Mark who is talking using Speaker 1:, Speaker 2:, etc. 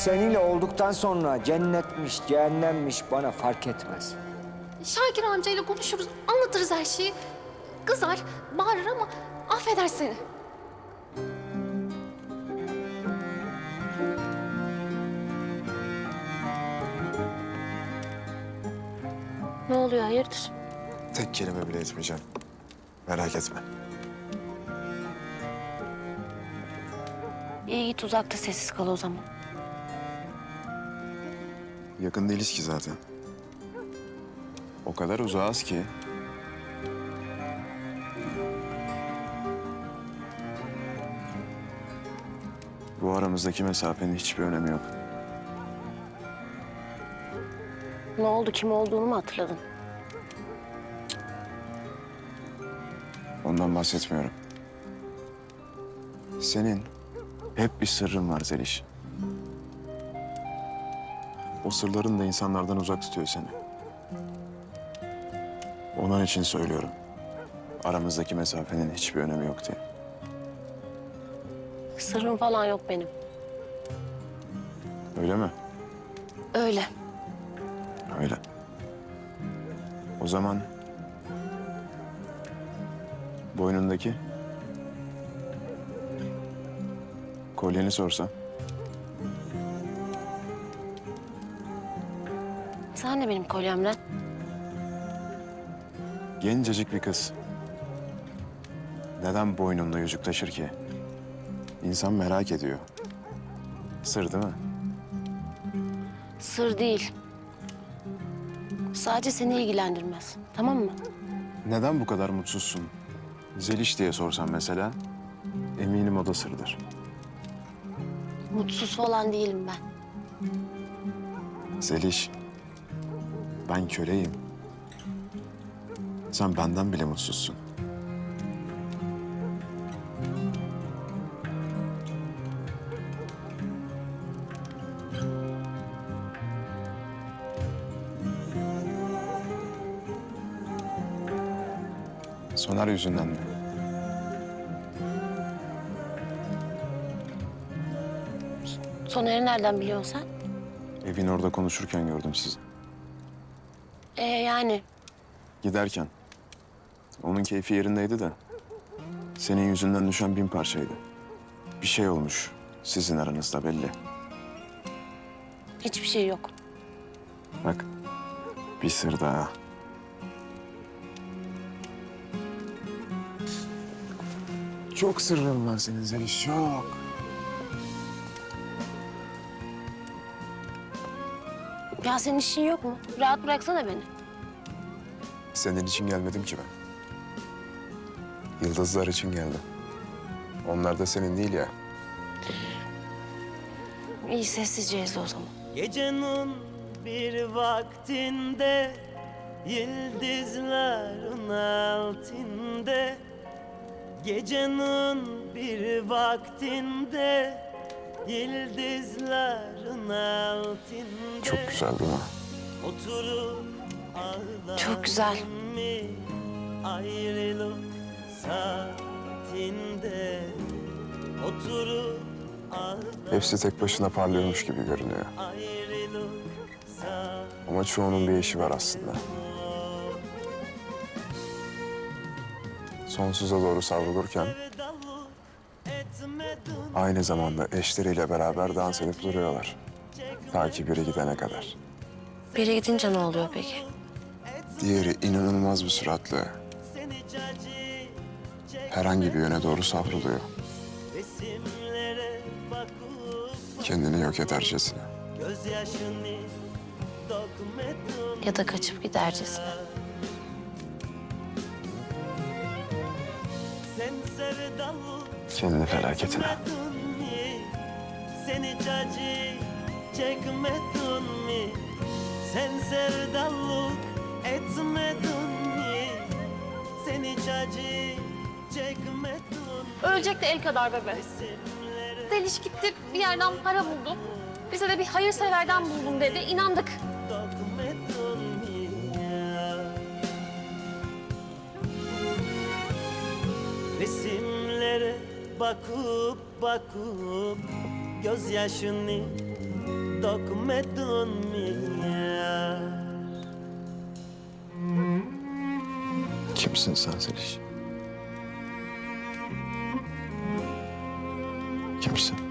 Speaker 1: seninle olduktan sonra cennetmiş, cehennemmiş bana fark etmez.
Speaker 2: Şakir amcayla konuşuruz, anlatırız her şeyi. Kızar, bağırır ama affeder seni. Ne oluyor, hayırdır?
Speaker 3: Tek kelime bile etmeyeceğim. Merak etme.
Speaker 2: İyi git uzakta sessiz kal o zaman.
Speaker 3: Yakın değiliz ki zaten. O kadar uzağız ki. Bu aramızdaki mesafenin hiçbir önemi yok.
Speaker 2: Ne oldu, kim olduğunu mu hatırladın?
Speaker 3: Ondan bahsetmiyorum. Senin hep bir sırrın var Zeliş. O sırların da insanlardan uzak tutuyor seni. Onun için söylüyorum. Aramızdaki mesafenin hiçbir önemi yok diye.
Speaker 2: Sırrım falan yok benim.
Speaker 3: Öyle mi?
Speaker 2: Öyle.
Speaker 3: Öyle. O zaman boynundaki kolyeni sorsam.
Speaker 2: Sen de benim kolyemden.
Speaker 3: Gencecik bir kız. Neden boynunda yüzük taşır ki? İnsan merak ediyor. Sır değil mi?
Speaker 2: Sır değil. Sadece seni ilgilendirmez. Tamam mı?
Speaker 3: Neden bu kadar mutsuzsun? Zeliş diye sorsam mesela, eminim o da sırdır.
Speaker 2: Mutsuz falan değilim ben.
Speaker 3: Zeliş, ben köleyim. Sen benden bile mutsuzsun. Soner yüzünden mi?
Speaker 2: Soner'i nereden biliyorsun sen?
Speaker 3: Evin orada konuşurken gördüm sizi.
Speaker 2: Yani
Speaker 3: Giderken. Onun keyfi yerindeydi de. Senin yüzünden düşen 1000 parçaydı. Bir şey olmuş sizin aranızda belli.
Speaker 2: hiçbir şey yok.
Speaker 3: Bak, bir sır daha. Çok sırrın var senin Zeliş, çok.
Speaker 2: Ya senin işin yok mu? Rahat bıraksana beni.
Speaker 3: Senin için gelmedim ki ben. Yıldızlar için geldim. Onlar da senin değil ya.
Speaker 2: İyi sessizce izle o zaman.
Speaker 4: Gecenin bir vaktinde yıldızların altında, gecenin bir vaktinde yıldızların altında
Speaker 3: Çok güzel değil mi?
Speaker 4: oturup ağlar
Speaker 2: Çok güzel.
Speaker 4: mi ayrılık saatinde oturup ağlar
Speaker 3: Hepsi tek başına parlıyormuş gibi görünüyor.
Speaker 4: ayrılık saat.
Speaker 3: Ama çoğunun bir eşi var aslında. Sonsuza doğru savrulurken aynı zamanda eşleriyle beraber dans edip duruyorlar. Ta ki biri gidene kadar.
Speaker 2: Biri gidince ne oluyor peki?
Speaker 3: Diğeri inanılmaz bir süratle herhangi bir yöne doğru savruluyor.
Speaker 4: Resimlere bakıp
Speaker 3: Kendini yok edercesine.
Speaker 4: gözyaşını dökmedin.
Speaker 2: Ya da kaçıp gidercesine.
Speaker 4: Sen sevdalı
Speaker 3: Kendi felaketine.
Speaker 4: etmedin mi? Sen hiç acı çekmedin mi? Sen sevdalık etmedin mi? Sen hiç acı çekmedin mi?
Speaker 2: Ölecek de el kadar bebe. Zeliş gitti, bir yerden para buldu. Bize de bir hayırseverden buldum dedi, inandık.
Speaker 4: Dökmedin mi ya? Resimlere bakıp gözyaşını dökmedin mi yar?
Speaker 3: Kimsin sen Zeliş? Kimsin?